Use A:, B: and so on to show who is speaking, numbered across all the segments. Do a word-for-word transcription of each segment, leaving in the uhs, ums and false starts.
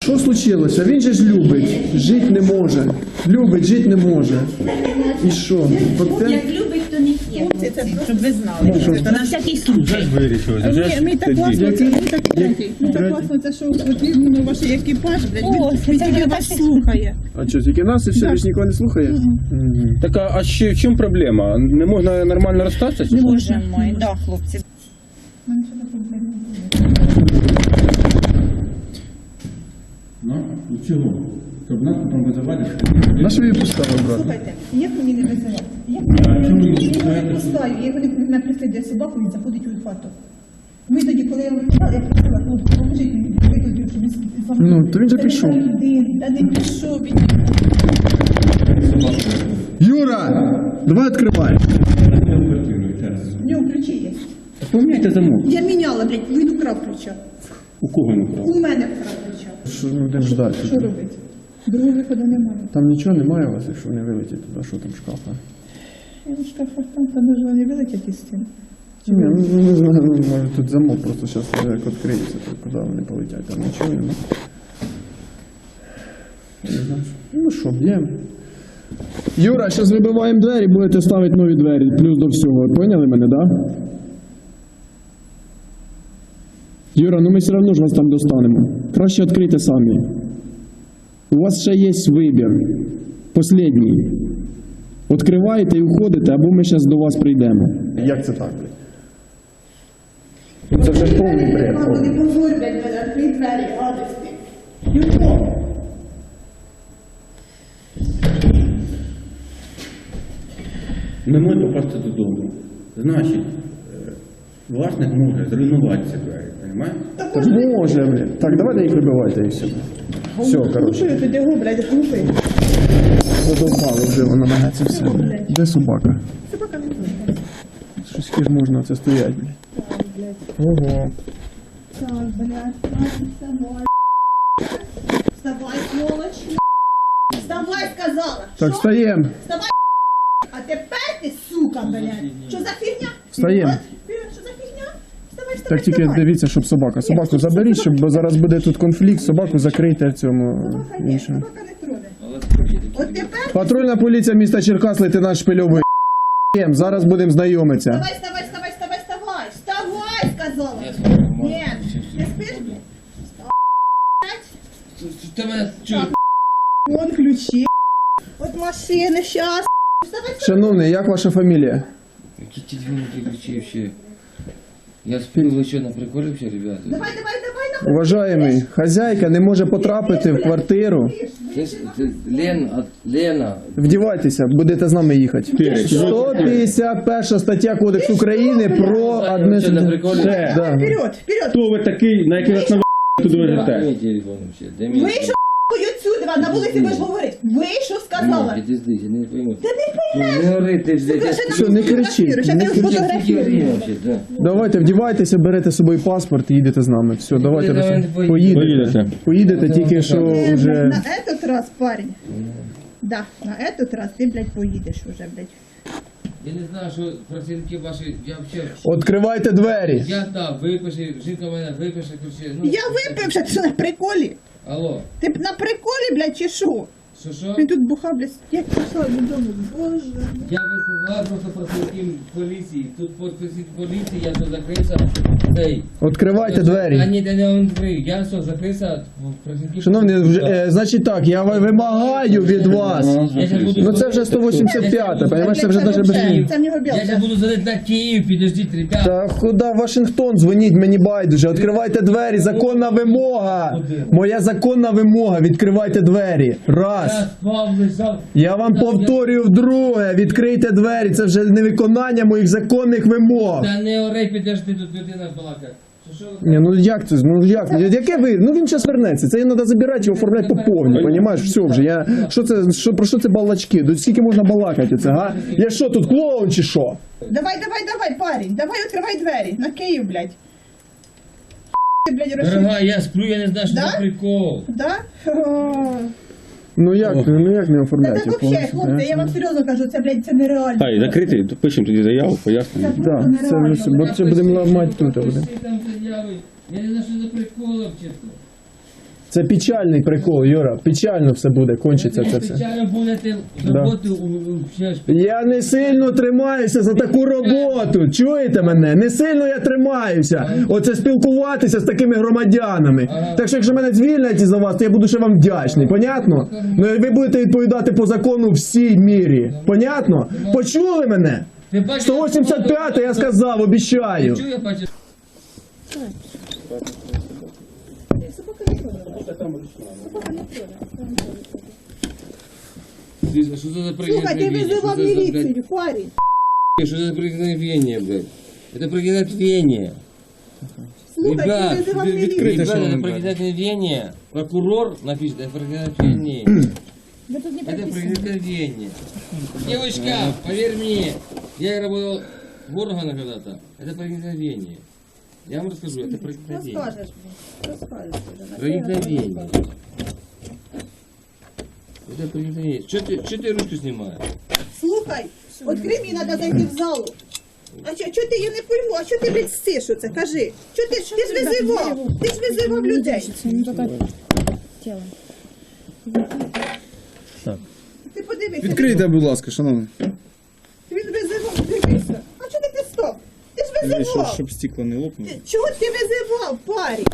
A: Що случилося? Він же ж любить, жити не може. Любить, жити не може. І що?
B: Як любить, то не п'є. Щоб ви знали. То на всякий случай.
C: Ми так класно, це ми так ми так класно, це що от іменно ваш екіпаж, блядь, він тільки вас слухає.
A: А що, тільки нас і все, більш нікого не слухає?
D: Так а, а ще в чому проблема? Не можна нормально розстатися?
B: Не можемо, да, хлопці.
D: Ну, чого? Щоб нас потім визивати?
A: На що її поставили, брат?
C: Слухайте, як мені не визивати? Як мені не визивати? Я його не пускаю, я його не мене прислідує собаку, він заходить у хату. Ми тоді, коли я його визивала, я просила, ну, поможіть мені, викликаю, щоб він заходив.
A: Ну, то він же пішов.
C: Та не пішов він.
A: Юра! Давай відкривай.
C: В нього ключі є.
D: Поміняйте замок.
C: Я міняла, блядь, він украв ключа.
D: У кого не вкрав?
C: У мене вкрав ключа.
A: Що ми будемо ждати?
C: Що робити? Другого виходу немає.
A: Там нічого немає у вас, якщо не вилетить туди, що там шкафа?
C: Я в шкафах там, там може вони вилетять із стін.
A: Ні, ну не знаю, ну, може тут замок просто зараз як відкриється, то куди вони полетять, там нічого немає. Не знаю. Ну що, б'ємо. Юра, зараз вибиваємо двері, будете ставити нові двері, плюс до всього. Поняли мене, так? Да? Юра, ну ми все одно ж вас там достанемо. Краще відкрийте самі. У вас ще є вибір. Послідній. Відкриваєте і уходите, або ми зараз до вас прийдемо. Як це так, блядь? Це вже повний бред.
C: Вони позорять мене, відкрий двері, гадості. Юрко!
D: Не може попасти додому. Значить, е, власник може зруйнувати ці двері, розумієте?
A: Так може, блядь. Так, давайте їх вибивайте і все. Все, коротше.
C: Глупи, тоді го, блядь, глупи.
A: Задовбали вже вона мене це все. Де собака?
C: Собака не буде.
A: Щось ж можна це стоять, блядь. Ого.
C: Так, блядь, вставай. Вставай, сволочь. Вставай, сказала.
A: Так,
C: Що?
A: встаємо.
C: Вставай, а тепер ти, сука, блядь. Що за фігня?
A: Встаємо.
C: Вперед, що за фігня? Вставай, вставай,
A: Так тільки
C: вставай.
A: дивіться, щоб собака. Собаку заберіть, щоб бо зараз буде тут конфлікт, собаку закрийте в цьому
C: Собака ні,
A: іншому.
C: собака не троне. От тепер
A: Патрульна поліція міста Черкас, лейтенант Шпильовий. Зараз будемо знайомитися.
C: вставай, вставай, вставай, вставай, вставай. Вставай, сказала. Ні, не спиш?
E: Ти мене чуєш?
C: Вон ключі. От машини, щас. Вставай, вставай.
A: Шановний, як ваша фамілія?
E: Які ті дві ключі ще? Я сплю, ви що, на приколі ще, ребята?
C: Давай, давай, давай, давай.
A: Уважаємий, хазяйка не може потрапити в квартиру.
E: Ти, ти, Лен, а, Лена,
A: Вдівайтеся, будете з нами їхати. сто п'ятдесят перша стаття Кодексу України про
E: що, на
A: адміністративне...
E: приколі?
A: Да.
C: Вперед, вперед.
D: Хто ви такий, на який вас на туди
E: Дай
D: везете?
E: мій телефон ще, дай мій
C: Вийшов отсюди, на вулиці будеш говорити. Вийшов, сказала.
E: Ні, ти здесь, я не пойму.
C: Та не поймеш.
E: Не говори, ти ж десь.
A: Що, не кричіть,
C: Ще
A: не
C: ти
A: кричіть.
C: фотографіруєш.
E: да.
A: Давайте, вдівайтеся, берете з собою паспорт і їдете з нами. Все, давайте.
E: Давай,
A: Руслан.
E: давай,
A: Поїдете.
D: Поїдете.
A: Поїдете, тільки що вже...
C: На этот раз, парень. Да, на этот раз ти, блядь, поїдеш уже, блядь.
E: Я не знаю, що працівники ваші, я взагалі...
A: Відкривайте двері.
E: Я так, випиши, жінка мене випише, ключі. Ну,
C: Я випивши, ти що на приколі?
E: Алло,
C: Ти на приколі, блядь, чи що?
E: що що?
C: Він тут бухав, блядь. Як пішла додому? Боже.
E: Я висилав просто працівників поліції. Тут підписів поліції, я все закрився. Ей.
A: Відкривайте
E: А
A: двері.
E: ні, я не відкрию. Я все закрився, працівників.
A: Шановні, вже, е, значить так, я ви- вимагаю від вас.
E: Я щас буду
A: Ну це вже сто вісімдесят п'ята, розумієш, це вже навіть без...
C: Це в нього
E: Я зараз
C: білка.
E: буду задати на Київ, підождіть, ребята.
A: Та куди Вашингтон, дзвоніть, мені байдуже. Відкривайте двері, законна вимога. Моя законна вимога, відкривайте двері.
E: Я
A: Раз.
E: спав, лежав.
A: Я вам повторюю вдруге, відкрийте двері, це вже невиконання моїх законних вимог.
E: Та не орей, підожди, тут людина балакає. Що, що?
A: Ні, ну як це? Ну як? Яке ви? Ну він зараз вернеться. Це треба забирати і оформляти по повній, понімаєш? Все вже. Я що це? Що про що це балачки? До скільки можна балакати це? Га? Я що тут клоун чи що?
C: Давай, давай, давай, парень. Давай відкривай двері. На Київ, блядь. Ти, блядь, розшив.
E: Дорога, я сплю, я не знаю, що
C: Да?
E: за прикол.
C: Да? О.
A: Ну як? Ну як не
C: Та
A: оформляти?
C: так взагалі, хлопці, я вам серйозно кажу, це, блядь, це нереально.
D: Ай, закритий, пишемо тоді заяву, пояснення.
A: Так, це ми все, бо це будемо ламати тут. Буде.
E: Пиши там заяви. Я не знаю, що за прикол, чесно.
A: Це печальний прикол, Юра. Печально все буде, кончиться це все.
E: Спеціально будете роботи у- у- ще ж.
A: Я не сильно тримаюся за таку роботу. Чуєте мене? Не сильно я тримаюся. Оце спілкуватися з такими громадянами. Так що якщо мене звільнять із-за вас, то я буду ще вам вдячний. Понятно? Ну і ви будете відповідати по закону всій мірі. Понятно? Почули мене?
E: Ти бачиш,
A: сто вісімдесят п'ять я сказав, обіцяю.
E: Чую, я бачу. Дивіться, що це за
C: Слухай, ти
E: проникновення?
C: визивав
E: Що це за, блядь,
C: міліцію, парень.
E: Что это проникновение, блядь? Это проникновение.
C: Слухай,
E: Ребят,
C: ти визивав
E: вы-
C: міліцію.
E: ребят, это проникновение. Прокурор напишет, это проникновение.
C: Ви тут не
E: Это
C: прописано.
E: проникновение. Девочка, поверь мне, я работал в органах когда-то. Это проникновение. Я вам расскажу, это проникновение.
C: Розкажеш, блін. Розкажеш. вже.
E: Проникновение. Это проникновение. Что ты, что ты ручку снимаешь?
C: Слухай, відкрий, мені треба зайти в залу. А що, що ти, я не пойму, а що ти, блядь, стиш оце, кажи? Що ти, ти ж визивав, ти ж визивав людей. Ти подивися.
F: Відкрийте, будь ласка, шановний.
C: Він визивав, дивися. А що ти ти стоп? Ти ж
F: Щоб,
C: визивав.
F: щоб стекло не лопнуло.
C: Ти- Чого ти визивав, парень?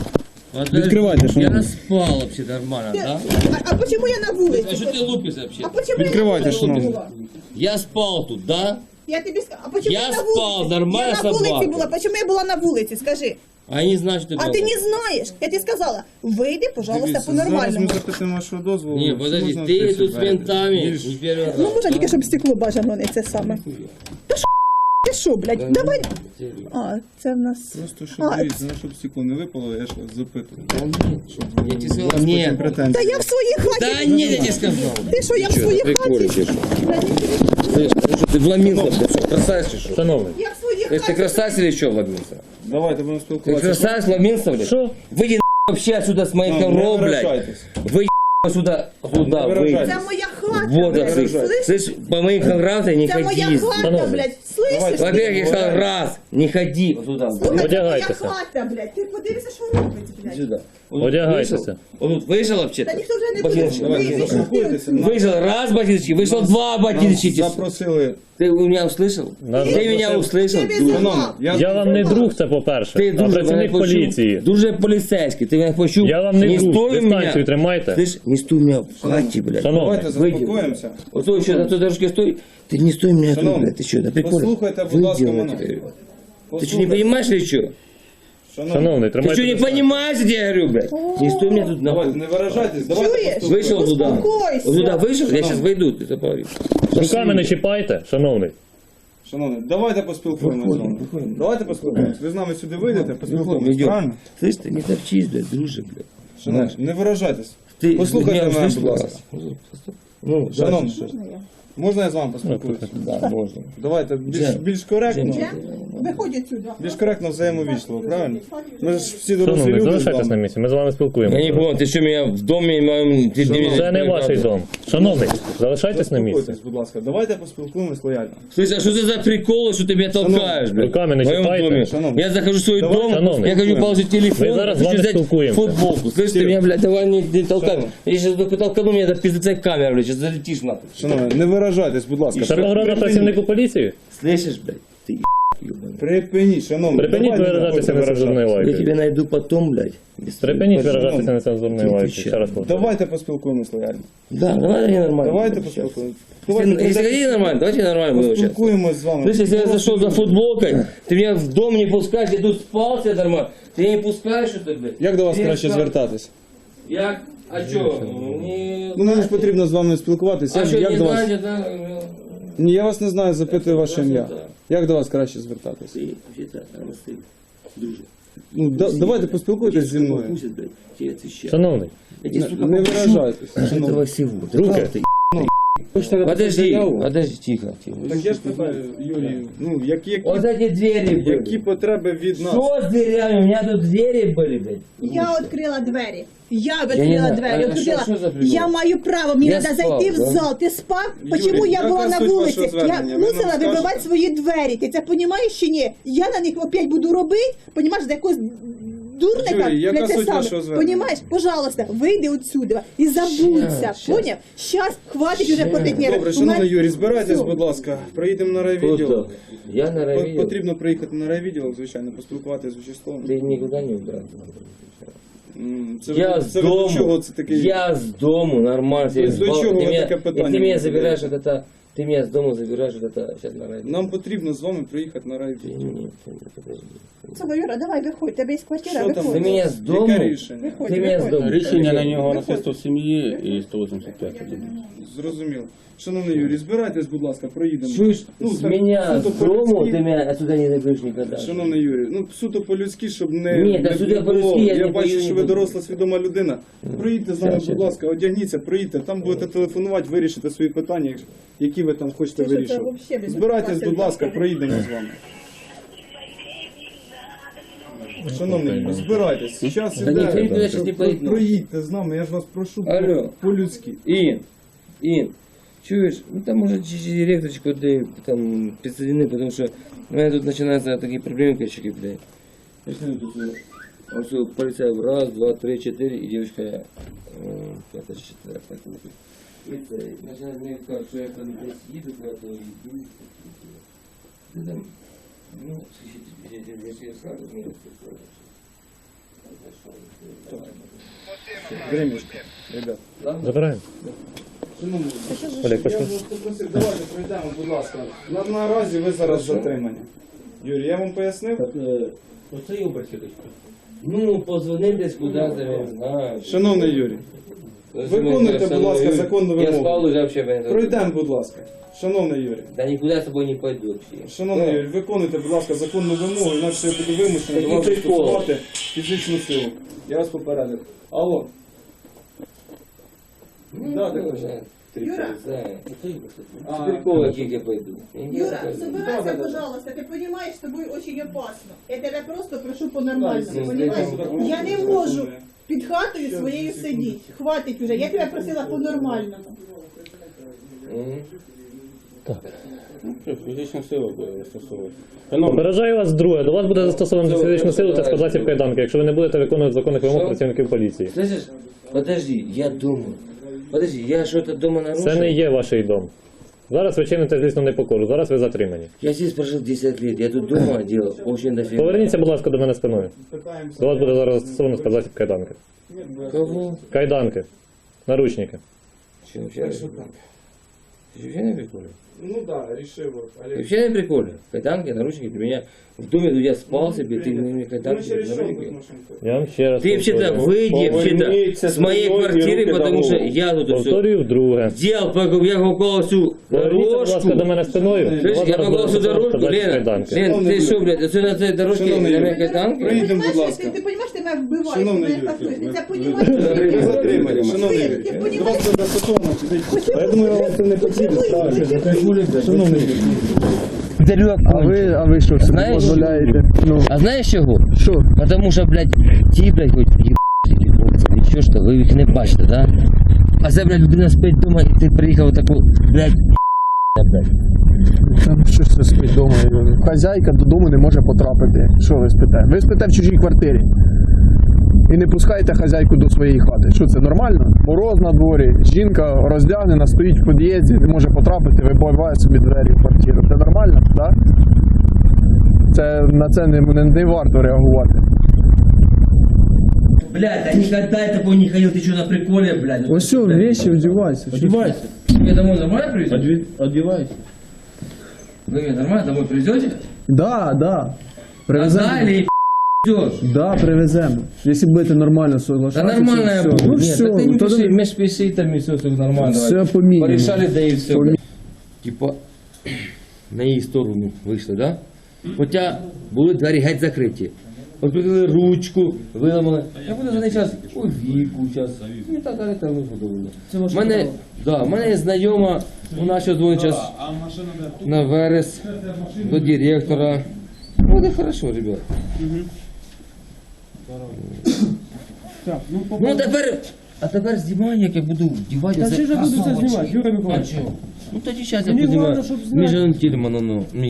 E: Я
F: Відкривайте, шановний.
E: спал вообще нормально,
C: Ти-
E: да?
C: А, а почему я на вулиці?
E: А что ты лупишь вообще?
C: А почему
F: Відкривайте,
C: я на вулиці
F: шановний.
C: була?
E: Я спал тут, да?
C: Я тобі скажу, а почему
E: Я
C: я на
E: спав,
C: вулиці?
E: нормальна
C: Я на вулиці
E: собака.
C: була, почему я була на вулиці, скажи.
E: А я не знаю, что ты
C: А
E: делал.
C: ти не знаєш, я тобі сказала, вийди, пожалуйста,
F: Дивіться, зараз ми
C: по-нормальному.
F: запитаємо вашого дозволу.
E: Не,
F: Чи
E: подожди,
F: можна
E: ты
F: відкрити
E: тут с
F: двері?
E: ментами
F: Більш-
E: не первый раз.
C: Ну, можна
E: да?
C: тільки, щоб стекло бажано не це саме. Та що, ти що, блядь, давай. А, це в нас...
F: Просто щоб,
C: А,
F: дивіться, ну, щоб стекло не випало, я ж вас запитую.
E: Да нет, я тебе сказал,
F: Потім
E: нет.
F: претензії.
C: Та я в своїй хаті.
E: Да нет, я тебе сказал.
C: Ти що, я в своїй хаті?
E: Слышь, ну что, ты вломился, блядь, красавец, что? Шановный.
C: Я в своїй
E: То есть ты
C: хаті.
E: красавец или что вломился?
F: Давайте будемо
E: Ты
F: спілкуватися.
E: красавец вломился, блядь? Что? Выйди вообще отсюда с моих
F: Ну, не
E: коров, блядь.
F: виражайтесь.
E: Выйди сюда, сюда,
F: Не
E: выйди.
F: виражайтесь.
C: Це моя хата,
E: Вот,
C: блядь,
E: слышь,
C: слышиш?
E: слышь, по моим коврам ты не
C: Це моя
E: ходи.
C: хата, блядь, слышиш?
E: Во-первых, я сказал, раз, не ходи вот туда.
C: Слухай, це моя
G: Одягайтеся.
C: хата, блядь, ти подивися, що робиться, блядь.
E: Сюда. Вот тут
G: Одягайтеся.
E: вышел. Вот тут вышел вообще.
C: Та ніхто вже не буде.
E: Ботиночки.
C: Вийди,
F: Давайте, заспокойтеся. Нас-
E: Вышел раз ботиночки, вышел два ботиночки.
F: Запросили.
E: Ты меня услышал?
G: Нас
E: Ты меня услышал?
C: Ти
E: Друже?
C: визивав.
F: Шановний,
G: Я вам не друг, це по-перше,
E: Ти
G: а
E: дуже мене
G: працівник
E: почув.
G: поліції.
E: Дуже поліцейський, ти мене почув.
G: Я вам не друг,
E: стой у
G: дистанцію
E: мене.
G: тримайте.
E: Слышь, не стой у меня в хаті, блядь.
G: Шановний,
F: давайте
E: Вийди.
F: заспокоїмося.
E: Вот то еще на той дорожке стой. Ты не стой у меня тут,
F: Шановний,
E: блядь. Ты что, на приколе?
F: послухайте, будь
E: Выйди,
F: ласка,
E: я
F: мене.
E: тебе говорю. Ты что, не
F: Послухайте.
E: понимаешь или что?
F: Шановний,
G: шановний,
E: Ты
G: тримайте
E: что, не
G: дистанцію.
E: понимаешь, я тебе говорю, блядь? Не стой у меня тут
F: давайте,
E: нахуй.
F: не виражайтесь. Давайте
C: Чуєш?
F: поспілкуємося.
E: Вышел туда.
C: Успокойся.
E: Вот туда вышел, я сейчас выйду, ты это поговоришь.
G: Руками не чіпайте, шановний.
F: Шановний, давайте поспілкуємося з вами.
E: Виходимо.
F: Давайте поспілкуємося. Ви з нами сюди вийдете, поспілкуємося.
E: Идем.
F: Правильно?
E: Слышь, ты не топчись, блядь, друже, блядь.
F: Шановний, не виражайтесь.
E: Ты
F: Послухайте
E: меня
F: мене,
E: услышал,
F: будь ласка.
E: Ну,
F: Шановний,
E: дальше что?
F: можна я з вами поспілкуюся?
E: Да, можно.
F: Давайте більш,
E: Джем.
F: більш коректно.
C: Джем, виходять сюди.
F: Більш коректно взаємовічливо, правильно? Ми ж всі дорослі
G: Шановний,
F: люди з
G: залишайтесь на
F: вами.
G: місці, ми з вами
E: Я не
G: спілкуємося.
E: понял, ты что, меня в доме моем... Ты, ты меня-
G: Це не ваш дом. Шановний, залишайтесь на місці.
F: Заспокойтесь, будь ласка. Давайте поспілкуємось лояльно.
E: Слышь, а что это за приколы, что ты меня толкаешь, блядь?
G: Руками не
E: В моем
G: чіпайте.
E: доме.
F: Шановний.
E: Я захожу в свой
F: Давай,
E: дом,
G: шановний.
E: я хочу положить телефон,
G: Ми зараз з
E: хочу
G: вами
E: взять
G: спілкуємося.
E: футболку. Слышь, ты меня, блядь, давай не, не толкай. Я сейчас только толкану, меня это пиздецая камера, блядь, сейчас залетишь нахуй.
F: Шановні, не виражайтесь, будь ласка.
G: Це погроза працівнику поліції?
E: Слышишь, блядь? Ты ебаный.
F: Припиніть, шановні.
G: Припиніть
F: давайте не
G: виражатися
F: будете
G: нецензурною
F: виражатися.
E: Я
G: лайкою.
E: тебя найду потом, блядь. без
G: Припиніть
F: Шановний.
G: виражатися нецензурною
E: Ти
G: лайкою.
E: що?
G: Ще раз повторюю.
F: Давайте поспілкуємось лояльно.
E: Да, давай не нормально.
F: Давайте
E: будем
F: поспілкуємось.
E: общаться. Если, если хотите нормально, давайте нормально будем общаться.
F: Поспілкуємось з вами.
E: Слышь, если я зашел за футболкой, ты меня в дом не пускаешь, я тут спал себе нормально. Ты не пускаешь, что ты, блядь?
F: Як до вас
E: Ты
F: краще
E: спал.
F: звертатись?
E: Як? А чё? Не...
F: Ну, мені ж потрібно з вами спілкуватися.
E: А
F: Як,
E: что,
F: як
E: не
F: до вас?
E: знаете, да?
F: Ні, я вас не знаю, запитую ваше ім'я.
E: Да.
F: Як до вас краще звертатись?
E: Ты, вообще-то, наверное, ты, друже.
F: Ну, да, давайте поспілкуйтесь зі мною.
E: Пустят, блядь, тебе отвечаю.
G: Шановний,
E: Я тебе, сука,
F: Не
E: попущу
F: виражайтесь.
E: этого
F: шановні.
E: всего.
G: Руки.
E: Ты, Подожди, подожди, тихо, тихо.
F: Так я ж питаю, Юрій, ну, які, які,
E: Вот эти двери
F: які
E: были.
F: потреби від нас?
E: Что с дверями? У меня тут двери были, блядь.
C: Я відкрила двері. Я
E: не
C: відкрила
E: знаю.
C: двері.
E: А
C: відкрила.
E: що- що за прикол?
C: Я маю право, мені
E: Я
C: треба
E: спав,
C: зайти в
E: да?
C: зал. Ти спав?
F: Юрій,
C: Чому я
F: яка
C: була на
F: суть
C: вулиці?
F: вашого
C: Я
F: звернення? Ви
C: мусила
F: нам
C: вибивати
F: скажете?
C: свої двері. Ти це розумієш чи ні? Я на них опять буду робити, розумієш, за якусь дурника
F: Юрій, яка
C: не те
F: суть
C: саме.
F: вашого звернення?
C: Понімаєш? Пожалуйста, вийди отсюди і забудься.
E: Щас, щас.
C: Поняв? Щас, хватить уже платити нерви.
F: Добре,
C: У
F: шановний
C: мене-
F: Юрій, збирайтесь,
C: Всьо.
F: будь ласка. Приїдемо на райвідділ.
E: Круто. Я на
F: По-
E: райвідділ.
F: Потрібно приїхати на райвідділ, звичайно, поспілкуватися з участковим.
E: Ты никуда не убрался.
F: М, Це,
E: Я
F: ви-
E: с
F: це ви до
E: дому,
F: чого це таке?
E: я с дому, нормально.
F: То есть до
E: Ты
F: чего вы
E: меня-
F: такое
E: и
F: питание
E: ты меня
F: будете
E: забираешь
F: делать?
E: вот это, ты меня с дому забираешь вот это, сейчас на районе.
F: Нам потрібно з вами приїхати на
E: Ты
F: райвідділ.
E: не- ты не- подожди.
C: Слухай, Юра, давай виходь, тебе є квартира,
F: Що там?
E: Ты
C: виходь.
E: меня с дому,
F: Яке рішення?
C: Виходь,
E: ты меня с
C: виходь.
E: дому.
D: Рішення на нього
C: Виходь.
D: насильство в сім'ї і сто вісімдесят п'ять.
F: Зрозуміло. Шановний Юрій, збирайтесь, будь ласка, проїдемо.
E: Чуешь,
F: Ну,
E: с
F: так,
E: меня с
F: суто
E: дому
F: по-людськи.
E: ты меня отсюда не заберешь никогда.
F: Шановний Юрій, ну суто по-людськи, щоб не,
E: Ні,
F: не,
E: та суто
F: не
E: по-людськи
F: було.
E: я
F: Я
E: не
F: бачу,
E: пою,
F: що
E: не
F: ви
E: буду.
F: доросла, свідома людина. Проїдьте з нами,
E: Щас,
F: будь
E: щас.
F: ласка, одягніться, проїдьте. Там будете телефонувати, вирішите свої питання, які ви там хочете
C: Це що, це
F: вирішувати.
C: вообще без
F: Збирайтесь,
C: мотивації
F: будь ласка,
C: взагалі.
F: проїдемо з вами. Шановний Юрій, збирайтесь. Зараз
E: Та ніхто нікуди щас не поїде.
F: проїдьте з нами, я ж вас прошу
E: Алло.
F: по-людськи.
E: Ин, Ин, чуешь, ну там может чуть-чуть директорочку ты там подсоедини, потому что у меня тут начинаются такие проблемы, качки, блядь. Я смотрю, тут всё, а все, полицай, раз, два, три, четыре, и девочка, э, пятая, четвертая, полицай, начинает мне сказать, что я там здесь еду куда-то, и иду, ну там, ну, если я сразу, мне
F: Времечко, ребят.
G: Забираємо.
F: Шановні,
G: Олег,
F: я
G: пошли.
F: вас попросив, давайте пройдемо, будь ласка. На, наразі ви зараз затримані. Юрій, я вам пояснив?
E: Оце обрати дочка. Ну, позвони десь куди-то, я не знаю.
F: Шановний Юрій, виконуйте, будь ласка, законну
E: Я спал
F: вимогу.
E: уже вообще, блин.
F: Пройдемо, будь ласка. Шановний Юрій.
E: Да никуда с тобой не пойду вообще.
F: Шановний
E: Ну,
F: Юрій, виконуйте, будь ласка, законну вимогу, інакше я буду вимушений до
E: Який
F: вас
E: прикол?
F: застосувати фізичну силу. Я вас попередив. Алло.
E: ну,
F: Да, так
E: ну,
F: точно.
E: Ты
C: Юра.
E: полицай.
F: А,
E: С прикола какие я пойду. Я не
C: Юра,
E: пойду.
F: Да, да,
C: собирайся,
F: да.
C: пожалуйста, ты понимаешь, с тобой очень опасно. Я тебе просто прошу по-нормальному,
E: Да,
C: понимаешь?
F: да,
C: Я не
F: да,
C: можу
F: да.
C: під хатою своєю сидіти. Хватить уже, я тебе просила по-нормальному.
E: Мгм.
D: Фізична сила буде застосовувати.
G: Попереджаю вас друге. До вас буде застосовано фізичну силу та спецзасіб кайданки, якщо ви не будете виконувати законних вимог
E: Що?
G: працівників поліції.
E: Слышишь? Подожди, я дома. Подожди, я что-то дома нарушил?
G: Це не є ваш дом. Зараз ви чините злісну непокору, зараз ви затримані.
E: Я здесь прожил десять лет, я тут дома делал очень дофига.
G: Поверніться, будь ласка, до мене спиною.
F: Питаємося.
G: До вас буде зараз застосовано спецзасіб кайданки.
E: Кого?
G: Кайданки. Наручники.
E: Че, вообще не приколе? Ты вообще не приколе?
F: Ну так, да, рішив.
E: Ты
F: Олег.
E: вообще не приколе? Кайданки, наручники, ты меня в доме, тут я спал себе, ты мне
F: Ну,
E: кайданки,
F: через що
E: наручники.
F: тут машинку?
G: Я вам ще раз
E: Ты вообще-то
G: повторюю.
E: выйди вообще-то
D: Поверните
E: с моей
D: спиной и
E: квартиры,
D: руки
E: потому что
D: дорогу.
E: я тут все
G: Повторюю вдруге.
E: делал, пока я попал всю
G: Поверніться, будь ласка, до
E: дорожку.
G: мене спиною. До
E: Слышь,
G: вас
E: я
G: зараз
E: попал
G: буде
E: всю
G: застосовано
E: дорожку,
G: спецзасіб
E: Лена.
G: кайданки.
E: Лен,
F: Шановний
E: ты
F: Юрій.
E: что, блядь, это на этой дорожке
F: Шановний
E: на
F: Юрій.
E: моей кайданке?
F: Приїдемо, будь
C: Понимаешь,
F: ласка.
C: Ти, ти розумієш, ти мене вбиваєш, ти
F: Шановний
C: мене
F: Юрій.
C: касуєш. Ти це
F: Ви
C: розумієш?
F: затримані, шановний
C: Ти,
F: Юрій.
C: ти
F: До
C: понімаєш?
F: вас буде застосовано фізична. Я думаю, вам це не потрібно. Шановний Юрій.
A: А ви, а ви що собі
E: Знаєш,
A: дозволяєте? Ну,
E: А знаешь чего?
A: що?
E: Потому что, блядь, ті, блядь, хоч ебаться, нічого, що ви їх не бачите, да? А це, блядь, людина спить вдома, і ти приїхав таку, блядь, блядь.
A: Там що це спить вдома? Хазяйка додому не може потрапити. Що ви спите? Ви спите в чужій квартирі. І не пускаєте хазяйку до своєї хати. Що це нормально? Мороз на дворі, жінка роздягнена, стоїть в під'їзді, не може потрапити, вибиває собі двері в квартиру. Це нормально, так? Це, на це не, не, не варто реагувати.
E: Блядь, а никогда я такой не ходил, ты что, на приколе, блядь?
A: Ось все, вещи вдівайся.
D: Одівайся.
E: Мне домой нормально привезете?
D: Одівайся.
E: Вы меня нормально домой привезете?
A: Да, да. Привеземо.
E: А или идешь?
A: Да, привеземо. Якщо будете нормально
E: Да
A: соглашатися.
E: нормально я
A: все.
E: буду.
A: Ну
E: Нет,
A: все,
E: так ты не
A: то
E: пиши,
A: не-
E: меж пиши там и все, все нормально.
A: Все
E: давай.
A: по мінімуму.
E: Порешали, да и все.
A: По ми-
E: Типа, на її сторону вийшли, да? Хоча були двері геть закриті. От прикрили ручку, виламали. Я буду за неї час у віку, час. І так далі, так не подобно. У мене, да, у мене є знайома, вона ще дзвонить час на верес, до директора. Буде хорошо, ребят. Ну тепер, а тепер знімай, як я буду вдівати. Та
D: Чи ж я буду це знімати, Юрій Миколаївич?
E: Ну тоді зараз я подиваю. Між Тільманом, ну.